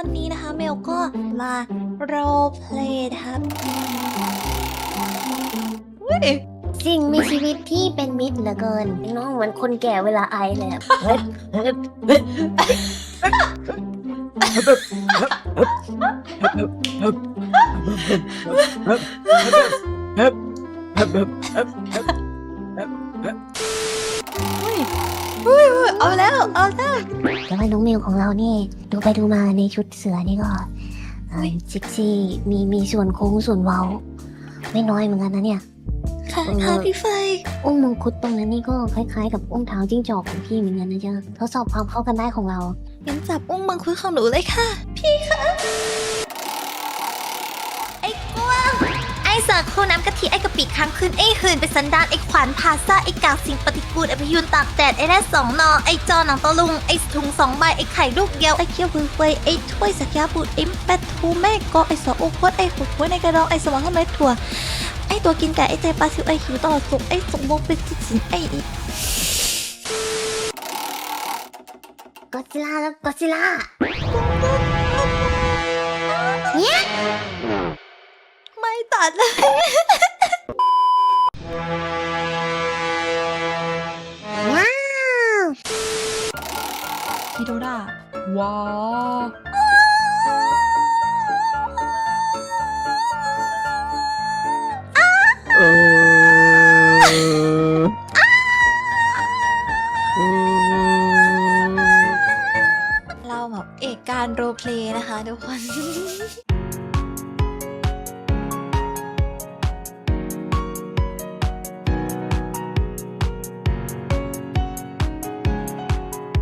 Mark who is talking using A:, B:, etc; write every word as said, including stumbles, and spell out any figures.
A: วันนี้นะคะเมลก็มาโรลเพลย์นะครับเฮ้ย
B: สิ่งมีชีวิตที่เป็นมิตรเหลือเกินน้องเหมือนคนแก่เวลาไอเลยอะ
A: เฮ้ยเฮ้ยเฮ้ยเอาแล้วเอาแล้ว
B: แต่ว่าน้องเมลของเรานี่ดูไปดูมาในชุดเสือนี่ก็เอ่อซิกซี่มีมีส่วนโค้งส่วนเว้าไม่น้อยเหมือนกันนะเนี่ย
A: ค่ะ
B: เออ
A: ค่ะพี่ไฟ
B: องค์มงคุดตรงนั้นนี่ก็คล้ายๆกับองค์เท้าจิ้งจอกของพี่เหมือนกันนะจ๊ะทดสอบความเข้ากันได้ของเรา
A: งั้นจับอุ้งมังคุดของหนูเลยค่ะ พี่คะไอ้กวางไอ้เสือโคน้ำกะทิไอ้กะปิค้างคืนไอ้หื่นไปสันดานไอ้ขวานพาซ่าไอ้กากสิ่งปฏิกูลไอ้พยุนตากแดดไอ้แร่สองนอไอ้จอหนังตะลุงไอ้ถุงสองใบไอ้ไข่ลูกเดียวไอ้เคี้ยวเฟยไอ้ถ้วยสักยาบูดไอ้แปดทูแม่กอไอ้สอโอโคตไอ้หุดหัวในกระดองไอ้สมองข้างในถั่วไอ้ตัวกินไก่ไอ้ใจปลาซิวไอ้หิวตลอดสุกไอ้สมบูรณ์เป็นจิตสินไอ้
B: ก็อดซิลล่าแล้วก็อดซิลล่าเนี่ย
A: ไม่ตัดเลย
B: ว้าว
A: ฮิโดราว้าว เราแบบเอกการโรลเพลย์นะคะทุกคน